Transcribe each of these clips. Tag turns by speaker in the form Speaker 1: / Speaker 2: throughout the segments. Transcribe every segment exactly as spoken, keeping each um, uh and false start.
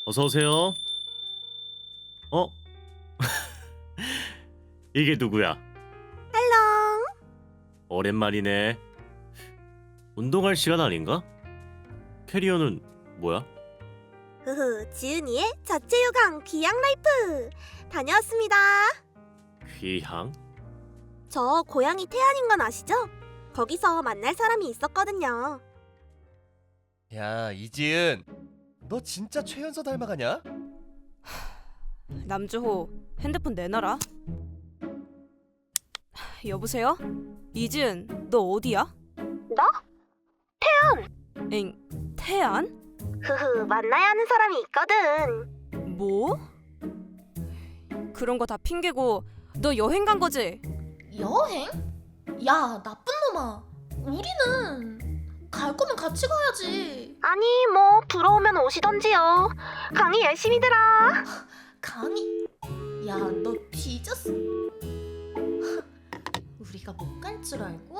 Speaker 1: 어서 오세요. 어? 이게 누구야?
Speaker 2: 헬로.
Speaker 1: 오랜만이네. 운동할 시간 아닌가? 캐리어는 뭐야?
Speaker 2: 흐흐, 지은이의 자체 요강 귀향 라이프 다녀왔습니다.
Speaker 1: 귀향?
Speaker 2: 저 고향이 태안인 건 아시죠? 거기서 만날 사람이 있었거든요.
Speaker 3: 야, 이지은, 너 진짜 최연서 닮아가냐?
Speaker 4: 남주호, 핸드폰 내놔라. 여보세요? 이지은, 너 어디야?
Speaker 2: 나?
Speaker 4: 엥, 태안?
Speaker 2: 흐흐, 만나야 하는 사람이 있거든.
Speaker 4: 뭐? 그런 거 다 핑계고 너 여행 간 거지?
Speaker 5: 여행? 야, 나쁜 놈아. 우리는 갈 거면 같이 가야지.
Speaker 2: 아니 뭐 부러우면 오시던지요. 강의 열심히 들어.
Speaker 5: 강의? 야, 너 뒤졌어. 우리가 못 갈 줄 알고?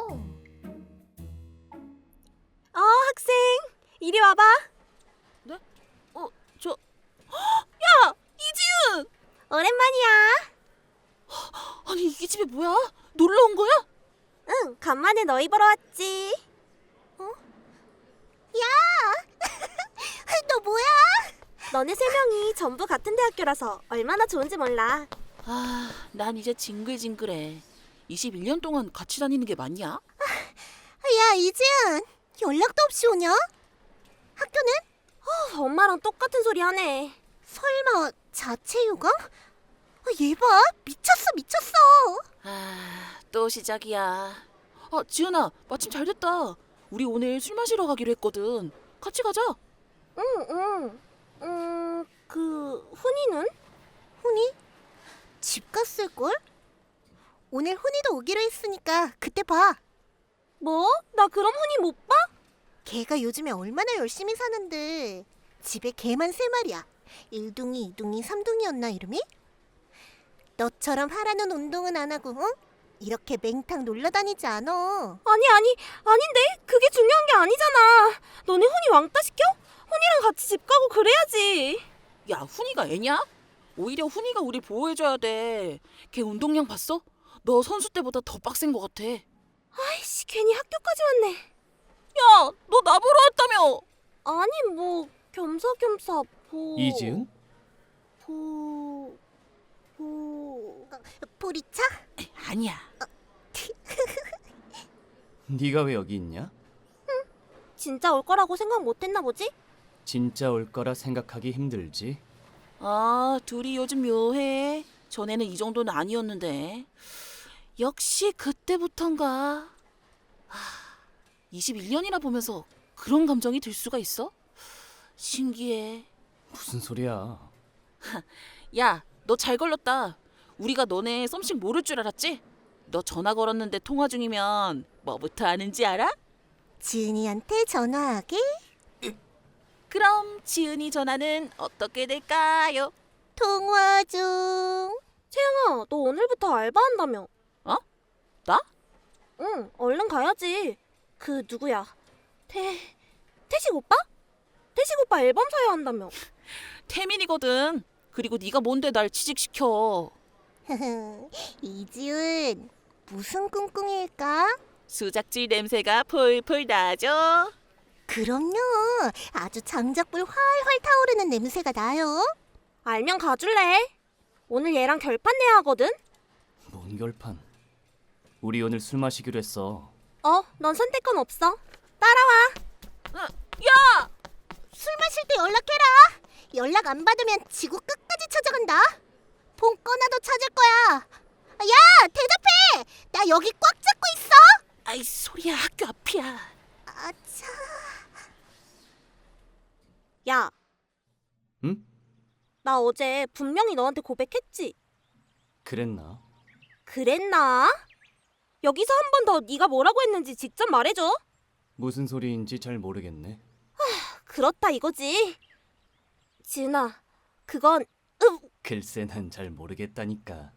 Speaker 2: 어, 학생 이리 와봐.
Speaker 4: 어, 저... 야! 이지은!
Speaker 2: 오랜만이야.
Speaker 4: 아니 이 집에 뭐야? 놀러 온 거야?
Speaker 2: 응, 간만에 너희 보러 왔지. 어? 야! 너 뭐야? 너네 세 명이 전부 같은 대학교라서 얼마나 좋은지 몰라.
Speaker 6: 아, 난 이제 징글징글해. 이십일 년 동안 같이 다니는 게 맞냐?
Speaker 2: 야, 이지은, 연락도 없이 오냐? 학교는? 어, 엄마랑 똑같은 소리 하네. 설마 자체 요강? 아, 얘 봐, 미쳤어 미쳤어.
Speaker 6: 아, 또 시작이야. 아, 지은아, 마침 잘 됐다. 우리 오늘 술 마시러 가기로 했거든. 같이 가자.
Speaker 2: 응, 응. 음, 그 훈이는? 훈이? 집 갔을걸? 오늘 훈이도 오기로 했으니까 그때 봐. 뭐? 나 그럼 훈이 못 봐? 걔가 요즘에 얼마나 열심히 사는데 집에 개만 세 마리야. 일둥이, 이둥이, 삼둥이였나 이름이? 너처럼 하라는 운동은 안 하고 응? 이렇게 맹탕 놀러 다니지 않아. 아니 아니 아닌데 그게 중요한 게 아니잖아. 너네 훈이 왕따 시켜? 훈이랑 같이 집 가고 그래야지.
Speaker 6: 야, 훈이가 애냐? 오히려 훈이가 우리 보호해줘야 돼. 걔 운동량 봤어? 너 선수 때보다 더 빡센 것 같아.
Speaker 2: 아이씨 괜히 학교까지 왔네.
Speaker 6: 야, 너 나 보러 왔다며?
Speaker 2: 아니 뭐 겸사겸사 보...
Speaker 3: 이지은?
Speaker 2: 보... 보... 보리차?
Speaker 6: 아니야.
Speaker 7: 네가 왜 여기 있냐?
Speaker 2: 진짜 올 거라고 생각 못 했나 보지?
Speaker 7: 진짜 올 거라 생각하기 힘들지.
Speaker 6: 아, 둘이 요즘 묘해. 전에는 이 정도는 아니었는데. 역시 그때부턴가. 하, 이십일 년이나 보면서 그런 감정이 들 수가 있어? 신기해.
Speaker 7: 무슨 소리야?
Speaker 6: 야, 너 잘 걸렸다. 우리가 너네 썸씽 모를 줄 알았지? 너 전화 걸었는데 통화 중이면 뭐부터 하는지 알아?
Speaker 2: 지은이한테 전화하게?
Speaker 6: 그럼 지은이 전화는 어떻게 될까요?
Speaker 2: 통화 중. 채영아, 너 오늘부터 알바한다며?
Speaker 6: 어? 나?
Speaker 2: 응, 얼른 가야지. 그 누구야? 태... 태식 오빠? 태식 오빠 앨범 사야 한다며.
Speaker 6: 태민이거든. 그리고 네가 뭔데 날 취직시켜.
Speaker 2: 이지은, 무슨 꿍꿍일까?
Speaker 6: 수작질 냄새가 풀풀 나죠.
Speaker 2: 그럼요. 아주 장작불 활활 타오르는 냄새가 나요. 알면 가줄래? 오늘 얘랑 결판 내야 하거든?
Speaker 7: 뭔 결판? 우리 오늘 술 마시기로 했어.
Speaker 2: 어, 넌 선택권 없어. 따라와.
Speaker 6: 어, 야!
Speaker 2: 술 마실 때 연락해라. 연락 안 받으면 지구 끝까지 찾아간다. 폰 꺼놔도 찾을 거야. 야, 대답해. 나 여기 꽉 잡고 있어.
Speaker 6: 아이, 소리야, 학교 앞이야.
Speaker 2: 아차. 야.
Speaker 7: 응?
Speaker 2: 나 어제 분명히 너한테 고백했지?
Speaker 7: 그랬나?
Speaker 2: 그랬나? 여기서 한 번 더 네가 뭐라고 했는지 직접 말해줘.
Speaker 7: 무슨 소리인지 잘 모르겠네.
Speaker 2: 그렇다 이거지. 지은아, 그건 음,
Speaker 7: 글쎄 난 잘 모르겠다니까.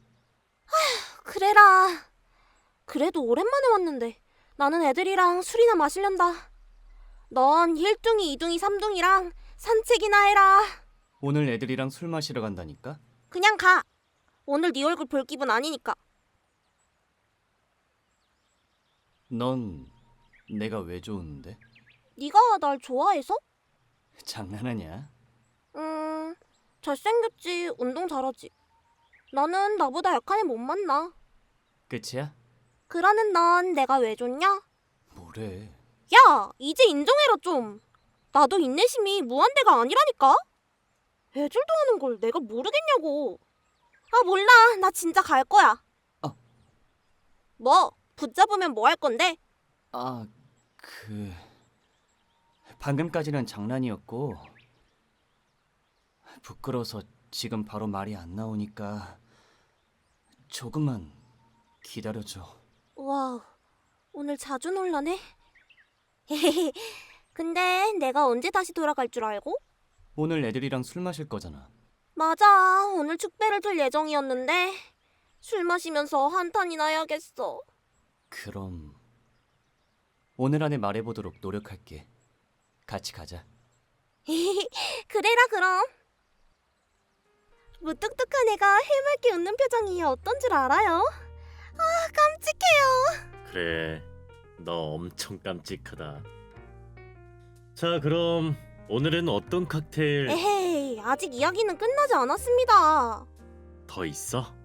Speaker 2: 그래라. 그래도 오랜만에 왔는데 나는 애들이랑 술이나 마시련다. 넌 일둥이, 이둥이, 삼둥이랑 산책이나 해라.
Speaker 7: 오늘 애들이랑 술 마시러 간다니까?
Speaker 2: 그냥 가. 오늘 네 얼굴 볼 기분 아니니까.
Speaker 7: 넌 내가 왜 좋은데?
Speaker 2: 네가 날 좋아해서?
Speaker 7: 장난하냐?
Speaker 2: 음, 잘생겼지, 운동 잘하지. 나는 나보다 약한 애 못 만나.
Speaker 7: 끝이야?
Speaker 2: 그러는 넌 내가 왜 좋냐?
Speaker 7: 뭐래?
Speaker 2: 야, 이제 인정해라 좀. 나도 인내심이 무한대가 아니라니까? 애들도 하는 걸 내가 모르겠냐고. 아, 몰라. 나 진짜 갈 거야.
Speaker 7: 어.
Speaker 2: 뭐? 붙잡으면 뭐 할 건데?
Speaker 7: 아, 그... 방금까지는 장난이었고 부끄러워서 지금 바로 말이 안 나오니까 조금만 기다려줘.
Speaker 2: 와우, 오늘 자주 놀라네. 근데 내가 언제 다시 돌아갈 줄 알고?
Speaker 7: 오늘 애들이랑 술 마실 거잖아.
Speaker 2: 맞아, 오늘 축배를 들 예정이었는데 술 마시면서 한탄이나 해야겠어.
Speaker 7: 그럼 오늘 안에 말해보도록 노력할게. 같이 가자.
Speaker 2: 그래라 그럼. 무뚝뚝한 애가 해맑게 웃는 표정이 어떤 줄 알아요? 아, 깜찍해요.
Speaker 1: 그래, 너 엄청 깜찍하다. 자, 그럼 오늘은 어떤 칵테일
Speaker 2: 에헤이, 아직 이야기는 끝나지 않았습니다.
Speaker 1: 더 있어?